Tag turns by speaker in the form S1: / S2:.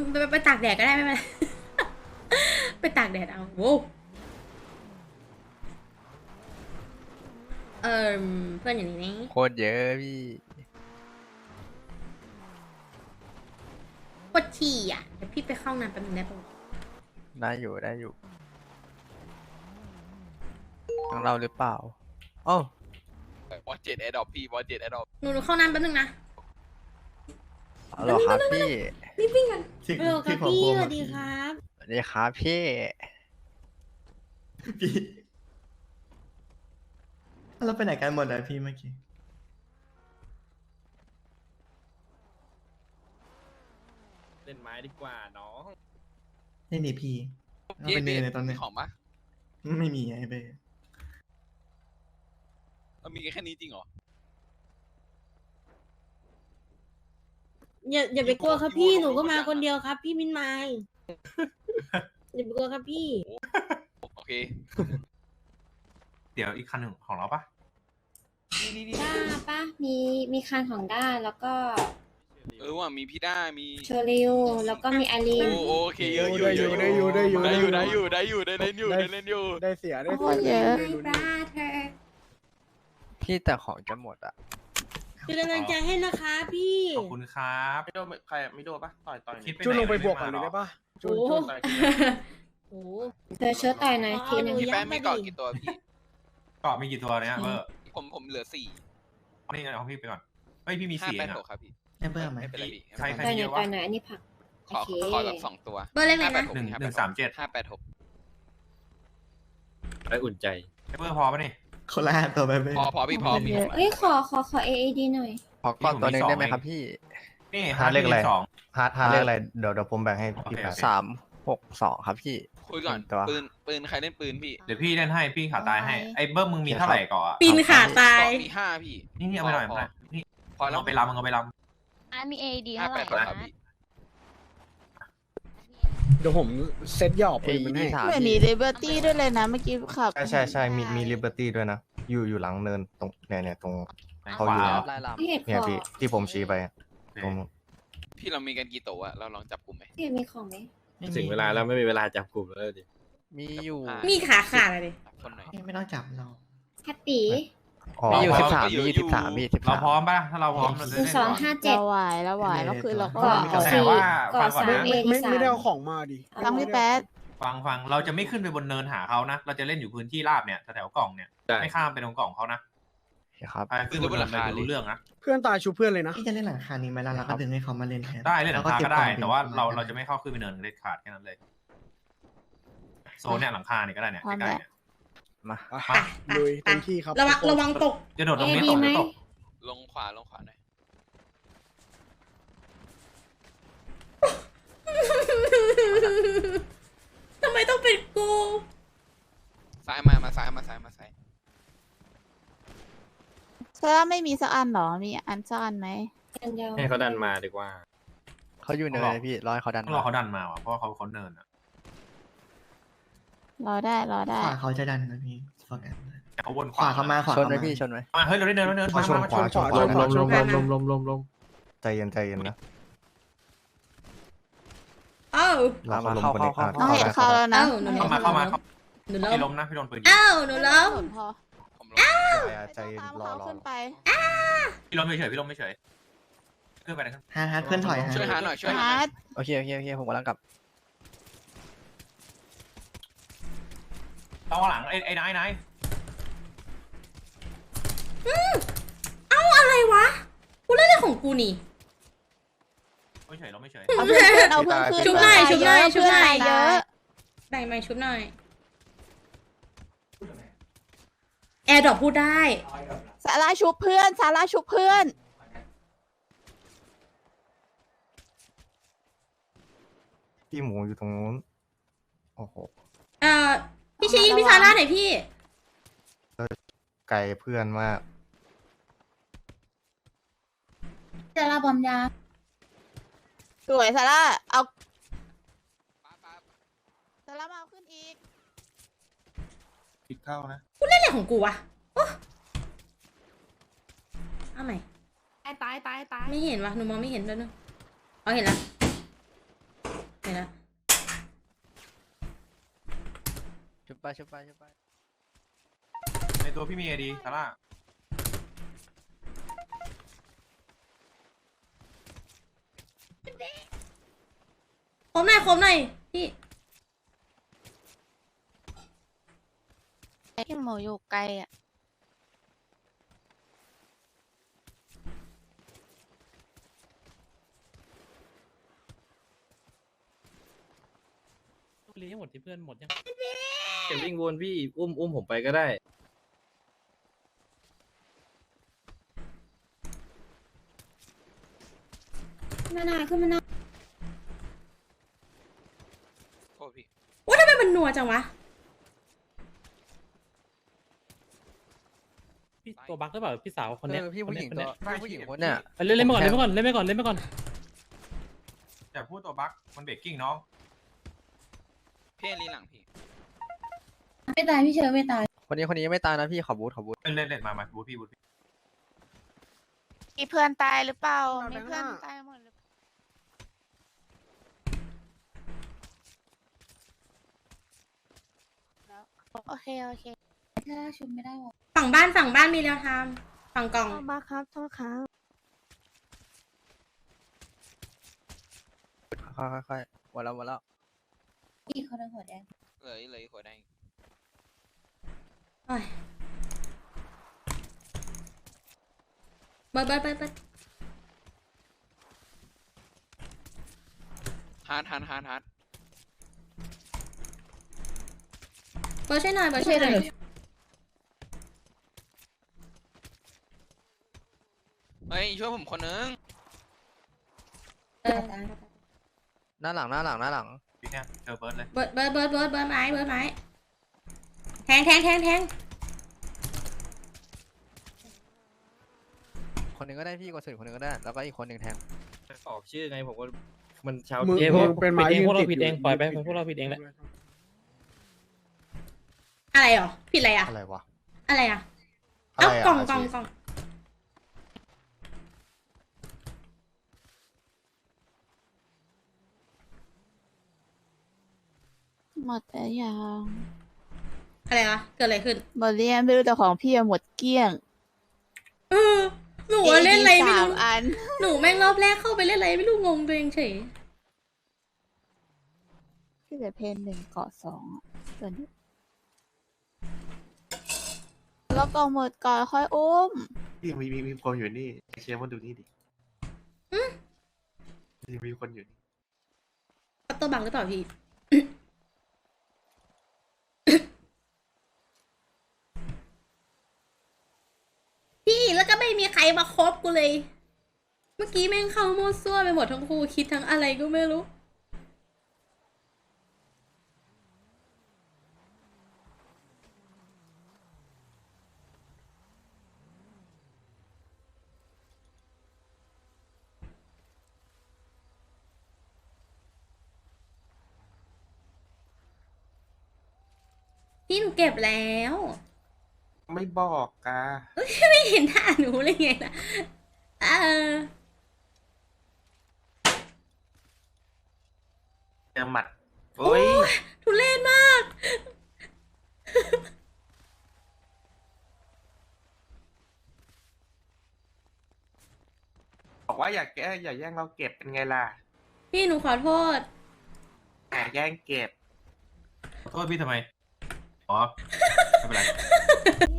S1: ไปตากแดดก็ได้ไม่เป็นไร ไปตากแดดเอาโว้เออเพื่อนอย่างนี้นี่
S2: โคตรเยอะพี่
S1: ปวดฉี่อ่ะเดี๋ยวพี่ไปเข้าห้องน้ำแป๊บนึงได้ปะ
S2: ได้อยู่ได้อยู่ทั้งเราหรือเปล่าโอ้า
S3: บอสเจ็ดแอดดอปพี่บอสเจ็ดแอดดอป
S1: หนูเข้าน้ำแป๊บนึงนะ
S2: เอาเหรอครับพี่
S1: รีบวิ่งกัน
S4: ที่
S1: เร็วครับ
S4: ที่
S1: พี่
S4: ผม
S1: ส
S4: พูด
S1: วัสดีครับ
S2: สวัสดีครับพี่
S4: พี่เราไปไหนกันหมดเลยพี่เมื่อกี้
S5: เล่นไม้ดีกว่าน้อง
S4: นี่นี่พี่เราไปเนยในตอนนี้
S3: ของปะ
S4: ไม่มีไอ้เบ้
S3: มันมีแค่นี้จริงเหรอ
S1: อย่าไปกลัวครับพี่หนูก็มาคนเดียวครับ พี่มินไมล์อย่าไปกลัวครับพี่
S3: โอเค
S6: เดี๋ยวอีกคันหนึ่งของเราปะ
S7: ด้าปะมีคันของด้าแล้วก็
S3: ว่ามีพี่ด้ามี
S7: โชริวแล้วก็มีอาลีน
S3: โอเคเยอะอยู่ได้อยู่ได้อยู่ได้เล่นอยู่ได้เล่นอยู่
S8: ได้เสียได้
S7: โอ้
S8: เสีย
S7: เยอะ
S1: My brother
S2: พี่แต่ของจะหมดอ่ะ
S1: เป็นกำลังใจให้นะคะพี่
S6: ขอบคุณครับ
S5: ไม่โดนใครไม่โดนปะต่อย
S6: คิดไป
S8: ช่วย
S6: ไหน
S8: ลงไปบวก
S6: ม่
S8: ก่อน
S6: ด้
S8: เลย
S6: มาหร
S8: ได้ปะ
S1: โอ้โห โอ้โห
S7: เธอเชื้อต่อยหน่อยทีนึง
S3: พี่แป้งมีเกาะกี่ตัวพี่
S6: เกาะมีกี่ตัวเนี่ยเบอร์
S3: ผมเหลือ4
S6: นี่เอาพี่ไปก่อนเฮ้ยพี่มี
S3: 5
S6: สี่เอง
S3: 8
S6: อะ
S3: 6ครับพี่
S4: ไอ้เบ้ไหม
S3: ไม่เป็นไรพี่
S6: ใคร
S7: ต่อยห
S6: เย
S7: น่อย
S6: อะ
S7: ต่
S6: วะ
S7: อยหน่อยอันนี้ผัก
S3: ขอ
S7: โอเค
S3: ขอแบบ2 ตัว
S1: เบอร์เลขอะไรนะ
S3: 586
S5: ได้อุ่นใจ
S6: ไอ้เบอร์พอปะนี่
S4: คนละ5 ตัวไปเบ้
S3: พอพี่พอพี่
S7: เอ้ยขอ AAD หน่อย
S2: ขอก่อนตัวหนึ่งได้ไหมครับพี่
S6: นี่
S9: หาเลขอะไร
S6: สอง
S9: หาเลขอะไรเดี๋ยวผมแบ่งให้พี่แปด
S2: 362ครับพี่
S3: คุยก่อน
S2: ตัว
S3: ปืนใครเล่นปืนพี่
S6: เดี๋ยวพี่เล่นให้พี่ขาตายให้ไอ้เบอร์มึงมีเท่าไหร่เกาะอะ
S1: ปีนขาตาย
S3: มี5พี่
S6: นี่เอาไปหน่อยเอาไปหน่อยนี่
S3: พอแล้ว
S6: เอาไปลำมึงเอาไปล
S10: มีเอดี
S3: 5
S10: เท่าไหร่
S3: 8 6ครับ
S10: นะ
S3: พี่
S8: เดี๋ยวผมเซ็ตหยอบปืนมันให้
S2: AED 3
S10: เหมือนมีเลเบอร์ตี้ด้วยเลยนะเมื่อกี้ขับ
S9: ใช่มีลิเบอร์ตี้ด้วยนะ อยู่หลังเนินตรงเนี่ยตรง
S6: ำ
S9: เขาอยู่
S6: ขว
S2: ลายล
S7: พี่เห็ด
S9: เนี่ย
S7: ขอ
S9: พี่ที่ผมชี้ไปอะตรงนู้น
S3: พี่เรามีกันกี่ตัวอะเราลองจับกลุ่มไหม
S7: พี่เห็ดมีของไหม
S5: ถึงเวลาแล้วไม่มีเวลาจับกลุ่มแล้วดิ
S2: มีอยู่
S1: มีขาขาดอะไรดิ
S3: คนหน่อย
S4: ไม่ต้องจับเรา
S7: แฮปปี้
S9: อ๋อ
S2: มีอยู่
S3: พร้อม
S2: 13
S3: ก็อยู่
S2: มี13มี
S6: เราพร้อ
S2: 13
S6: มปะถ้าเราพร้อมเราจะ
S7: หนึ่ง
S6: เล่น
S7: สอง
S6: ก่อน
S7: ห้าเจ็ด
S10: เราไหวแล้วไหวแล้วคือเราก็
S4: ก็
S6: แต่
S7: สี่
S6: ว่า
S7: ก่อ
S6: ฟังก่อน
S7: สาม
S6: นะ
S7: เอดีสาม
S8: ไม่ได้เอาของมาดิ
S10: ทั้งพี่แป๊ด
S6: ฟังเราจะไม่ขึ้นไปบนเนินหาเขานะเราจะเล่นอยู่พื้นที่ราบเนี่ยแถวๆกล่องเนี่ย
S5: ได้
S6: ไม่ข้ามไปตรงกล่องเขานะ
S2: ครับ
S6: ใครขึ้นบนเนินไปรู้เรื่องนะ
S8: เพื่อนตายชูเพื่อนเลยนะ
S4: พี่จะเล่นหลังคานี้ไหมล่ะเราก็ดึงให้เขามาเล่นแทน
S6: ได้เล่นหลังคาก็ได้
S4: ล้
S6: แต่ว่า
S4: ก็บกล่อง
S6: เราจะไม่เข้าขึ้นไปเนินเด็ดขาดแค่นั้นเลย โซนเนี่ยหลังคาเนี่ยก็ได้เนี่ยใกล้ๆเนี่ย
S2: มา
S1: ไปไป
S8: ลุย
S1: ไป
S8: เต็มที่ครับ
S1: ระวังตก
S6: จะโดดลงนี้
S7: ดี
S6: ตก
S7: ไหม
S6: จะตก
S3: ลงขวาหน่อย
S1: ทำไมต้องเป็นกู
S3: ซ้ายมาซ้าย
S10: เธอไม่มีสักอันเหรอ มีอันสักอันไหม
S7: เดียว
S5: ให้เขาดันมาดีกว่า
S2: เขาอยู่เนินเลยพี่รอให้เขาดัน
S6: ต้องรอเขาดันมาว่ะเพราะว่าเขาเนินอ่ะ
S10: รอได้
S4: ขวาเขาจะดันนะพี่โฟกัส
S6: แต่เขาวน
S4: ขวาเขามาขวา
S2: ชน
S4: เขา
S2: ไหม
S4: มา
S2: พี่ชนไหม
S6: มาเฮ้ยเราได้เนินแล้วเนิน
S9: มาชนขวาชนขวา
S8: ลม
S9: ใจเย็นนะ
S1: เอ้า
S9: เราเขาลงคนนี้
S10: น้องเห็นเข้าแล้วนะ
S1: เอ้าหนู
S6: เข้ามา
S1: หนู
S6: พี่
S1: ล้
S6: ล้
S1: ม
S6: มนะพี่โดนปืนยิง
S1: เอ้าหนูล้ม
S10: พอ
S3: ผมลง
S9: ใจเย็น
S10: ตาม
S9: รอ
S10: เขาขึ้นไป
S6: พี่ล้มเฉยๆพี่ล้มเฉยๆขึ้นไปเลยครับ
S4: ฮาร์ดเพื่อนถอยฮะ
S3: ช่วยหาหน่อย
S10: ฮาร์ด
S2: โอเคผมกำลังกลับ
S6: ต้องหลังไอ้นาย
S1: เอ้าอะไรวะ กูเล่นอะไรของกูนี่
S6: ไม่เฉยเราไม่เฉย
S10: เอาเพื่อนขึ้นเอาเพื่อนขึ้น
S1: ชุบหน่อยชุบหน่อย
S10: เพื่อนตายเยอะ
S1: แบ่งชุบหน่อย แอร์ดรอปพูดได้
S10: สาราชุบเพื่อนสาราชุบเพื่อน
S9: พี่หมูอยู่ตรงนู้นโอ้โห
S1: พี่ชี้พี่ซาร่าหน่อยพี่
S9: ไกลเพื่อนมาก
S7: จะรับบอมยา
S10: สวยสาราเอาสารามาเอาขึ้นอีก
S5: คิดเข้านะ
S1: กูเล่นอะไรของกูวะโอ๊ะเอาใหม่
S10: ตาย
S1: ไม่เห็นวะหนูมองไม่เห็นด้วยเนอะเอาเห็นแล้ว
S2: ชุบไปชุบไปชุบไป
S6: ในตัวพี่มีไอดีซาร่า
S1: คมหน่อยคมหน่อยพี่
S10: พี่หมูอยู่ไกลอ่ะ
S3: รีให้หมดที่เพื่อนหมดยัง
S5: เก็บวิ่งวนพี่อุ้มผมไปก็ได้
S7: ขึ้นมาหน้าขึ้นมาหน้า
S3: โอ้พี่
S1: ว่าทำไมมันนัวจังวะ
S3: พี่ตัวบั๊กหรือเปล่าพี่สาวคนเนี้ย
S2: พี่ผู้หญิง
S3: คน
S2: ตั
S3: เนี้
S2: วย พี่ผู้หญิงคนเนี่ย
S3: เล่นไปก่อนเล่นไปก่อนเล่นไปก่อนเล่นไปก่อน
S6: อย่าพูดตัวบั๊กมันเบรกกิ้งน้อง
S3: พี่ลีหลังพี่
S7: ไม่ตายพี่เชอร์ไม่ตาย
S2: คนนี้ยังไม่ตายนะพี่ขอบูทขอบูท
S6: เล่นมาบูทพี่
S10: มีเพื่อนตายหรือเปล่า มีเพื่อนตายหมดหรือเปล่าแล้วโอเคโอเค
S7: ถ้าชุบไม่ได้หรอ
S1: ฝั่งบ้านมีแล้วทำฝั่งกล่อง
S10: มาครับโทษครับ
S2: ค่อยๆวันแล้ว
S7: พี่เขาโดนหัวแดง
S3: เลยหัวแดง
S1: โอ้ยเบิร์ด
S3: ฮาร์ด
S1: เบิร์ดช่วยหน่อยเบิร์ดช่วยหน่อย
S3: เฮ้ยช่วยผมคนนึง
S2: หน้าหลัง
S6: พี่เนี่ยเจอเบิร์ดเลย
S1: เบิร์ดไม้แทง
S2: คนหนึ่งก็ได้พี่กดสุดคนหนึ่งก็ได้แล้วก็อีกคนหนึ่งแทง
S5: ตอบชื่อไงผมก็มันชาว
S8: มึง
S5: เกม
S8: มึงเป็นไม้
S3: ผิดเอง
S8: ยืน
S3: พวกเรา
S8: ติด
S3: ผิดเองปล่อยไปพวกเราผิดเองแหละ
S1: อะไรหรอผิดอะไรอ่ะ
S9: อะไรวะ
S1: อะไรอ่ะ
S9: อะ
S1: เอ้า
S9: ไรอะ
S1: กล่อง
S9: อาชีพ
S10: หมดแล้วยัง
S1: อะไรวะเกิดอะไรขึ้น
S10: หมดเรียนไม่รู้แต่ของพี่อะหมดเกลี้ยง
S1: หนูว่าเล่นอะไรไม่
S10: สาม
S1: รู้
S10: อัน
S1: หนูแม่งรอบแรกเข้าไปเล่นอะไรไม่รู้งงตัวเองเฉย
S10: พี่เหลือเพนหนึ่งเกาะสองอะส่วนนี้แล้วกล่องหมดก่อนค่อยอุ้ม
S9: พี่มีคนอยู่นี่เชียร์มาดูนี่ดิมีคนอยู่นี่
S1: ปัตเตอร์บังหรือเปล่าพี่ พี่แล้วก็ไม่มีใครมาคบกูเลย เมื่อกี้แม่งเข้ามั่วซั่วไปหมดทั้งคู่คิดทั้งอะไรก็ไม่รู้ พี่หนูเก็บแล้ว
S5: ไม่บอกกา
S1: ไม่เห็นท่าหนูเลยไงนะเออ
S5: เจอหมัดโอ้ย
S1: ทุเรศมาก
S5: บอกว่าอย่าแย่งเราเก็บเป็นไงล่ะ
S1: พี่หนูขอโทษ
S5: อย่าแย่งเก็บ
S6: โทษพี่ทำไมอ๋อไม่เป็นไร